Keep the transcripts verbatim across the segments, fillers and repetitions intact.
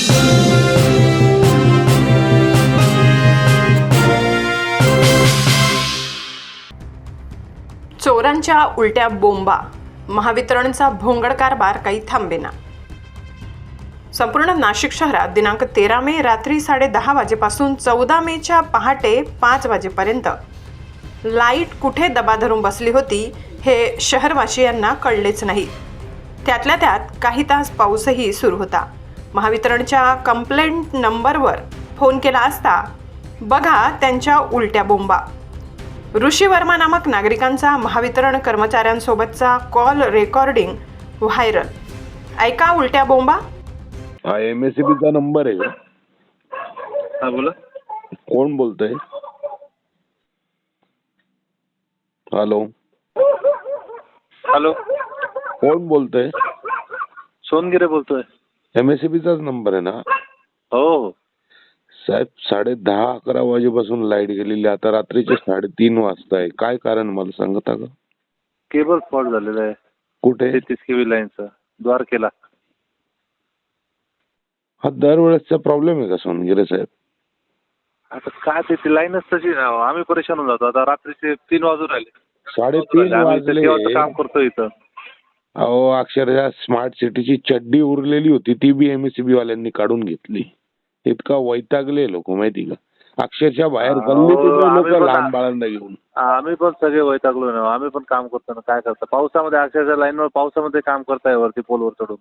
चोरांच्या उलट्या बोंबा, महावितरणचा भोंगड कारभार काही थांबेना. संपूर्ण नाशिक शहरात दिनांक तेरा मे रात्री साडे दहा वाजेपासून चौदा मेच्या पहाटे पाच वाजेपर्यंत लाईट कुठे दबा धरून बसली होती हे शहरवासियांना कळलेच नाही. त्यातल्या त्यात काही तास पाऊसही सुरू होता. महावितरणच्या कंप्लेंट नंबरवर फोन केला असता बघा त्यांच्या उलट्या बोंबा. ऋषी वर्मा नामक नागरिकांचा महावितरण कर्मचाऱ्यांसोबतचा कॉल रेकॉर्डिंग व्हायरल. ऐका उलट्या बोंबा. हा एम एस सी बी चा नंबर आहे का? हा बोला. कोण बोलतोय? हॅलो हॅलो कोण बोलतोय? सोनगिरे बोलतोय. एम एस सी बी चाच नंबर आहे ना? हो हो साहेब, साडे दहा अकरा वाजेपासून लाईट गेलेली, आता रात्रीचे साडेतीन वाजता आहे. काय कारण मला सांगता का? केबल फॉल्ट झालेला आहे कुठे? तेहतीस केवी लाईनचा द्वारकेला. हा दरवेळेसचा प्रॉब्लेम आहे का सोनगिरे साहेब? आता काय ते ती लाईनच तशी ना, आम्ही परेशान होऊन जातो. आता रात्रीचे तीन वाजून राहिले. साडेतीन वाजले. केव्हाचं काम करतो इथं. अहो अक्षरशः स्मार्ट सिटीची चड्डी उरलेली होती, ती B M S C B वाल्यांनी काढून घेतली. इतका वैतागले लोक माहिती का, अक्षरशः बाहेर गल्लीत लोक लहान बाळांना घेऊन. आम्ही पण सगळे वैतागलो ना, आम्ही पण काम करतो ना. काय करतो पावसामध्ये, अक्षरशः लाईनवर पावसामध्ये काम करताय वरती पोलवर चढून.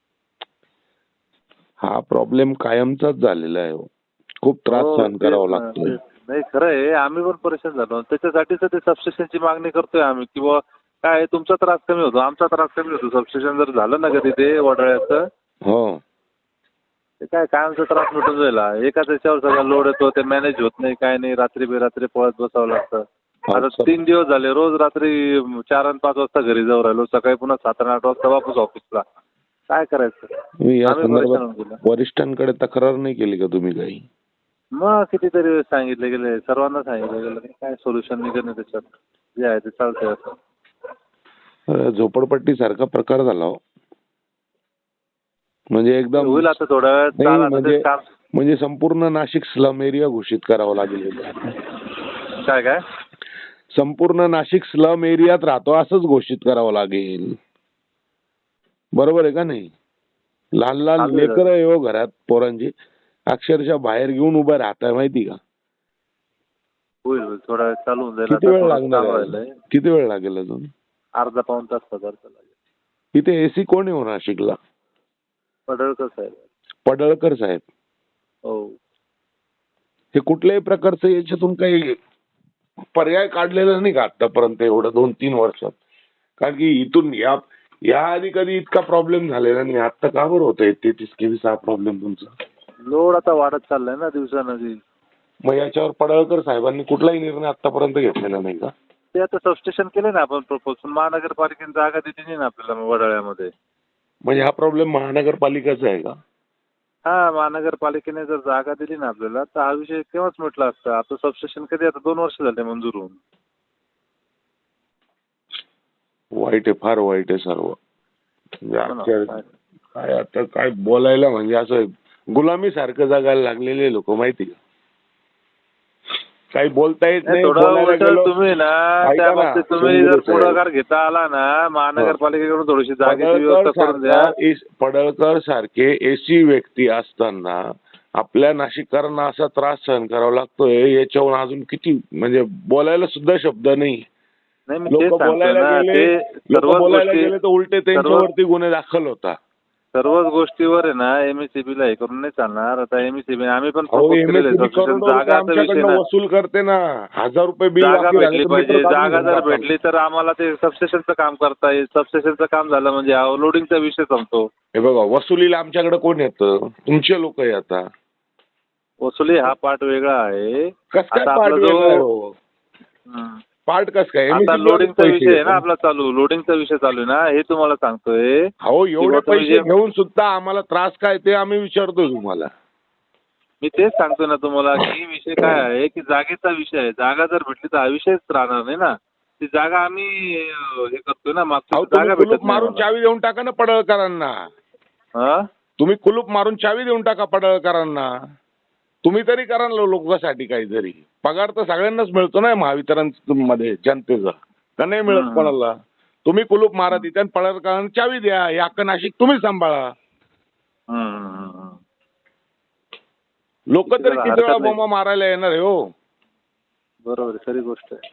हा प्रॉब्लेम कायमचाच झालेला आहे. खूप त्रास हो, सहन तेच करावा ना, लागतोय. तेच. नाही खरं आहे, आम्ही पण परेशान झालो. त्याच्यासाठीच ते सबस्टेशनची मागणी करतोय आम्ही, किंवा काय तुमचा त्रास कमी होतो, आमचा त्रास कमी होतो. सबस्टेशन जर झालं ना कधी ते वडाळ्याचं, हो ते काय कायमचा त्रास मिटून जाईल. एकाच याच्यावर सगळा लोड येतो, ते मॅनेज होत नाही, काय नाही. रात्री बेरात्री पळत बसावं लागतं. आता तीन दिवस झाले, रोज रात्री चार आणि पाच वाजता घरी जाऊ राहिलो, सकाळी पुन्हा सात आणि आठ वाजता वापस ऑफिसला. काय करायचं? मी या आम्ही परेशान होऊन संदर्भात गेलो. वरिष्ठांकडे तक्रार नाही केली का तुम्ही काही? मग कितीतरी सांगितले गेले, सर्वांना सांगितलं गेलं, काय सोल्युशन निघत नाही त्याच्यात. जे आहे ते चालतंय असं. अं, झोपडपट्टी सारखा प्रकार झाला हो. म्हणजे एकदम होईल आता थोड्या वेळात. नाही, चाल आता म्हणजे ते काम. म्हणजे संपूर्ण नाशिक स्लम एरिया घोषित करावा लागेल. काय काय संपूर्ण नाशिक स्लम एरियात राहतो असंच घोषित करावं लागेल. बरोबर आहे का नाही? लहान लहान लेकर आहे हो घरात, पोरांची अक्षरशः बाहेर घेऊन उभं राहताय माहिती का? होईल होईल थोडा वेळ चालू होऊन जाईल. किती आता वेळ थोडं लागणार काम आहे? राहिलंय. किती वेळ लागेल अजून? अर्धा पाऊण तास पदार्थ लागेल. इथे एसी कोण आहे हो नाशिकला? पडळकर साहेब. पडळकर साहेब. हो. हे कुठल्याही प्रकारचं याच्यातून काही पर्याय काढलेला नाही का आतापर्यंत एवढं दोन तीन वर्षात? कारण की इथून या या आधी कधी इतका प्रॉब्लेम झालेला नाही. आता का बरं होतोय तेहतीस केवीचा हा प्रॉब्लेम तुमचा? लोड आता वाढत चाललाय ना दिवसानदिवस. मग याच्यावर पडळकर साहेबांनी कुठलाही निर्णय आतापर्यंत घेतलेला नाही का? ते आता सबस्टेशन केले ना आपण प्रपोज, महानगरपालिकेने जागा दिली नाही ना आपल्याला वडाळ्यामध्ये. म्हणजे हा प्रॉब्लेम महानगरपालिकेचा आहे का? हा, महानगरपालिकेने जर जागा दिली ना आपल्याला तर हा विषय केव्हाच मिटला असता. आता सबस्टेशन कधी, आता दोन वर्ष झाले मंजूर होऊन. वाईट आहे, फार वाईट आहे सर्व. म्हणजे काय आता काय बोलायला, म्हणजे असं गुलामी सारखं जगायला लागलेले लोक माहिती का? काही बोलता येत नाही. तुम्ही ना त्या बाबतीत तुम्ही जर पुढाकार घेता आला ना, महानगरपालिकेकडून थोडीशी जागेची व्यवस्था करून द्या. पडळकर सारखे एसी व्यक्ती असताना आपल्या नाशिककरांना असा त्रास सहन करावा लागतोय, याच्यावर अजून किती म्हणजे बोलायला सुद्धा शब्द नाही. लोक बोलायला गेले लोक बोलायला गेले तर उलटे त्यांच्यावरती गुन्हे दाखल होता. सर्वच गोष्टीवर आहे ना एमएससीबी ला हे करून नाही चालणार. आता एमएससीबी आम्ही पण वसूल करते ना, हजार रुपये बिल. जागा भेटली पाहिजे. जागा जर भेटली तर आम्हाला ते सबस्टेशनचं काम करता येईल. सबस्टेशनचं काम झालं म्हणजे लोडिंगचा विषय संपतो. हे बघा, वसुलीला आमच्याकडे कोण येतं? तुमचे लोक येतात. वसुली हा पार्ट वेगळा आहे. कसं काय पार्ट कस काय? आता लोडिंगचा विषय आहे ना आपला चालू. लोडिंगचा विषय चालू आहे ना, हे तुम्हाला सांगतोय. हो, एवढे पैसे घेऊन सुद्धा आम्हाला त्रास काय ते आम्ही विचारतो तुम्हाला. मी तेच सांगतो ना तुम्हाला की विषय काय आहे की जागेचा विषय आहे. जागा जर भेटली तर हा विषयच राहणार नाही ना. ती जागा आम्ही हे करतोय ना, मागची जागा भेटत मारून चावी देऊन टाका ना पडळकरांना. तुम्ही कुलूप मारून चावी देऊन टाका पडळकरांना. तुम्ही तरी करा ना लोकांसाठी काहीतरी. पगार तर सगळ्यांनाच मिळतो ना महावितरण मध्ये जनतेचा, का नाही मिळत हम्म. कोणाला? तुम्ही कुलूप मारा तिथे आणि पडळकरांना चावी द्या. हे अख्खं नाशिक तुम्ही सांभाळा. हम्म, हम्म, हम्म. लोक तरी त्याला किती हरकत वेळा नाही. बोंबा मारायला येणार आहे हो? बरोबर आहे, खरी गोष्ट आहे.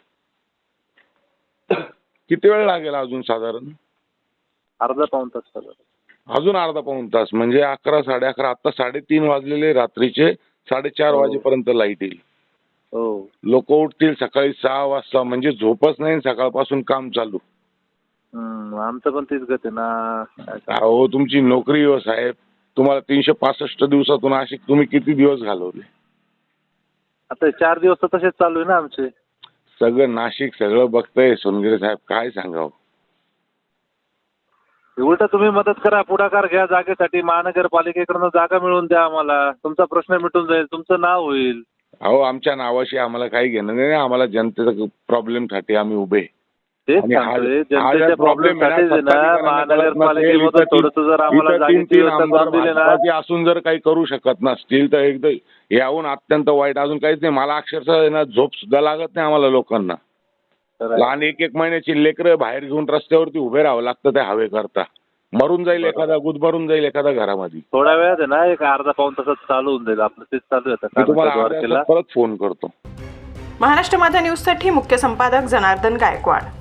किती वेळ लागेल अजून साधारण? अर्धा पाऊण तास झाला. अजून अर्धा पाऊण तास म्हणजे अकरा साडे अकरा, आता साडेतीन वाजलेले रात्रीचे, साडेचार हो. वाजेपर्यंत लाईट येईल. हो. लोक उठतील सकाळी सहा वाजता, म्हणजे झोपच नाही सकाळपासून काम चालू. हम्म, आमचं पण तीच गत आहे ना. काय सांगू? अहो तुमची नोकरी हो साहेब. तुम्हाला तीनशे पासष्ट दिवसातून अशी तुम्ही किती दिवस घालवले? आता हे चार दिवस तर तसेच चालू आहे ना आमचे. सगळं नाशिक सगळं बघतंय सोनगिरे साहेब, काय सांगावं. उलट तुम्ही मदत करा, पुढाकार घ्या जागेसाठी. महानगरपालिकेकडनं जागा मिळवून द्या आम्हाला. तुमचा प्रश्न मिटून जाईल, तुमचं नाव होईल. अहो आमच्या नावाशी आम्हाला काही घेणं नाही. आम्हाला जनतेचा प्रॉब्लेमसाठी आम्ही उभे. तेच आणि हा- सांगतोय, हा जनतेच्या जर प्रॉब्लेम problem आहे ना, साठीच आहे ना सत्ताधिकाऱ्यांना कळत नसेल, महानगरपालिकेमधून इथं तीन- थोडंसं जर आम्हाला इथं तीन- जागेची तीन व्यवस्था आमदार करून दिली ना. भाजपाचे असून जर काही करू शकत नसतील तर एकदम याहून अत्यंत वाईट अजून काहीच नाही. मला अक्षरशः आहे ना झोप सुद्धा लागत नाही आम्हाला लोकांना. तर लहान एक एक महिन्याची लेकरं बाहेर घेऊन रस्त्यावरती उभे राहावं लागतं त्या हवेकरता. मरून जाईल एखादा, गुदमरून जाईल एखादा घरामध्ये. थोड्या वेळात आहे ना, एक अर्धा पाऊण तासात चालू होऊन जाईल आपलं. तेच चालू आहे आता मी तुम्हाला कामाच्या अर्ध्या द्वारकेला. तासात परत फोन करतो. महाराष्ट्र माझा न्यूजसाठी मुख्य संपादक जनार्दन गायकवाड.